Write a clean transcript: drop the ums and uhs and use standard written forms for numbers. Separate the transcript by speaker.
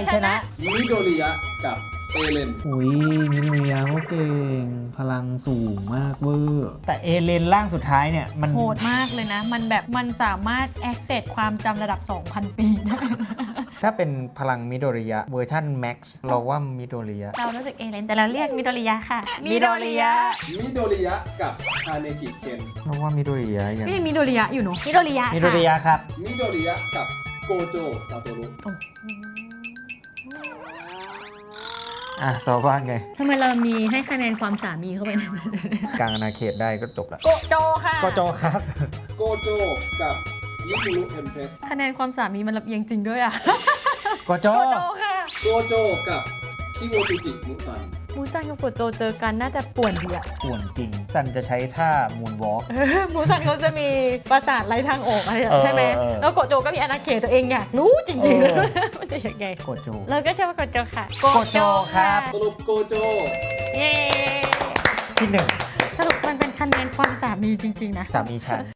Speaker 1: ชนะ
Speaker 2: มิโดริยะกับเอเลน
Speaker 3: อุ้ยมิเรียก็เก่งพลังสูงมากเวอร์แต่เอเลนร่างสุดท้ายเนี่ยมัน
Speaker 1: โหดมากเลยนะ มันแบบมันสามารถ access ความจำระดับ 2,000 ปีได้
Speaker 3: ถ้าเป็นพลังมิโดริยะเวอร์ชันแม็กซ์เราว่ามิโดริยะ
Speaker 1: เรารู้สึกเอเลนแต่เราเรียกมิโดริยะค่ะ
Speaker 3: มิโดริยะ
Speaker 2: มิโดริยะกับคาเนกิเคน
Speaker 3: เราว่ามิโดริยะยัง
Speaker 1: ก็ยังมิโดริยะอยู่เนอะมิโดริยะ
Speaker 3: มิโดริยะครับ
Speaker 2: มิโดริยะกับโกโจซาโตรุ
Speaker 3: ซอว่าไง
Speaker 1: ทำไมเรามีให้คะแนนความสามีเข้าไปใน
Speaker 3: กลางอาณาเขตได้ก็จบละ
Speaker 1: โกโจค่ะ
Speaker 3: ก็โจครับ
Speaker 2: โกโจกับยิมุรุเอ็มเพส
Speaker 1: คะแนนความสามีมันลำเอียงจริงด้วยอ่ะ
Speaker 3: ก็โจ
Speaker 1: โกโจค่ะ
Speaker 2: โกโจกับคิโมจิจิมุซัน
Speaker 1: มูซันกับโกโจเจอกันน่าจะป่วนดีอ่ะ
Speaker 3: ป่วนจริงซันจะใช้ท่ามูนวอล์ก
Speaker 1: มูซันเขาจะมีปราสาทไร้ทางออกอะไรอะใช่ไหม
Speaker 3: เออ
Speaker 1: แล้วโกโจก็มีอาณาเขตตัวเองอยากรู้จริงๆ
Speaker 3: เอ
Speaker 1: เลย
Speaker 3: อ
Speaker 1: มันจะยังไง
Speaker 3: โกโจ
Speaker 1: เราก็เชื่อว่าโกโจค่ะ
Speaker 3: โกโจครับ
Speaker 2: สรุปโกโจ
Speaker 1: เย้
Speaker 3: ที่หนึ่ง
Speaker 1: สรุปมันเป็นคะแนนความสามีจริงๆนะ
Speaker 3: สามีฉัน